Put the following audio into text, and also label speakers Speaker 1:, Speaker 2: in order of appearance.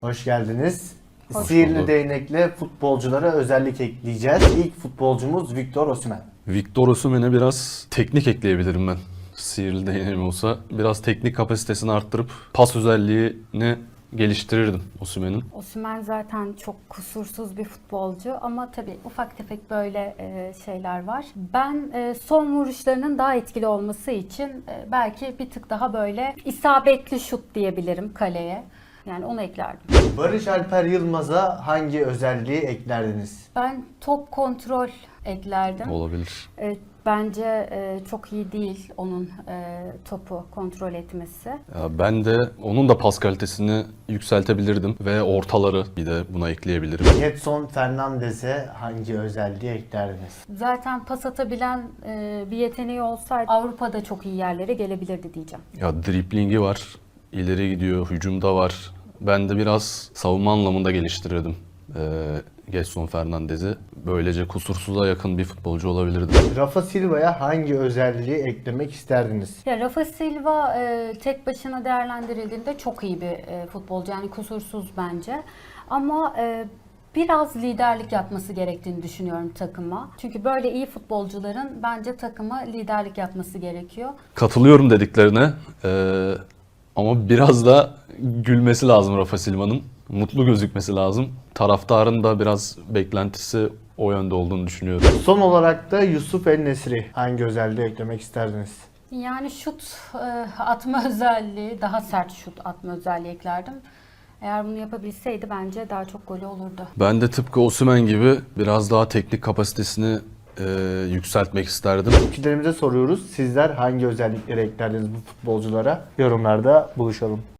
Speaker 1: Hoş geldiniz.
Speaker 2: Hoş
Speaker 1: Sihirli
Speaker 2: bulduk.
Speaker 1: değnekle futbolculara özellik ekleyeceğiz. İlk futbolcumuz Victor Osimhen.
Speaker 2: Victor Osimhen'e biraz teknik ekleyebilirim ben. Sihirli değneğim olsa biraz teknik kapasitesini arttırıp pas özelliğini geliştirirdim Osimhen'in.
Speaker 3: Osimhen zaten çok kusursuz bir futbolcu ama tabii ufak tefek böyle şeyler var. Ben son vuruşlarının daha etkili olması için belki bir tık daha böyle isabetli şut diyebilirim kaleye. Yani onu eklerdim.
Speaker 1: Barış Alper Yılmaz'a hangi özelliği eklerdiniz?
Speaker 3: Ben top kontrol eklerdim.
Speaker 2: Olabilir.
Speaker 3: Bence çok iyi değil onun topu kontrol etmesi.
Speaker 2: Ya ben de onun da pas kalitesini yükseltebilirdim ve ortaları bir de buna ekleyebilirim.
Speaker 1: Gedson Fernandez'e hangi özelliği eklerdiniz?
Speaker 3: Zaten pas atabilen bir yeteneği olsaydı Avrupa'da çok iyi yerlere gelebilirdi diyeceğim.
Speaker 2: Ya driblingi var, ileri gidiyor, hücumda var. Ben de biraz savunma anlamında geliştirirdim Gedson Fernandez'i. Böylece kusursuza yakın bir futbolcu olabilirdi.
Speaker 1: Rafa Silva'ya hangi özelliği eklemek isterdiniz?
Speaker 3: Ya Rafa Silva tek başına değerlendirildiğinde çok iyi bir futbolcu, yani kusursuz bence. Ama biraz liderlik yapması gerektiğini düşünüyorum takıma. Çünkü böyle iyi futbolcuların bence takıma liderlik yapması gerekiyor.
Speaker 2: Katılıyorum dediklerine ama biraz da gülmesi lazım Rafa Silva'nın. Mutlu gözükmesi lazım. Taraftarın da biraz beklentisi o yönde olduğunu düşünüyorum.
Speaker 1: Son olarak da Yusuf El-Nesri hangi özelliği eklemek isterdiniz?
Speaker 3: Yani şut atma özelliği, daha sert şut atma özelliği eklerdim. Eğer bunu yapabilseydi bence daha çok golü olurdu.
Speaker 2: Ben de tıpkı Osimhen gibi biraz daha teknik kapasitesini yükseltmek isterdim.
Speaker 1: Fikirlerimize soruyoruz. Sizler hangi özellikleri eklerdiniz bu futbolculara? Yorumlarda buluşalım.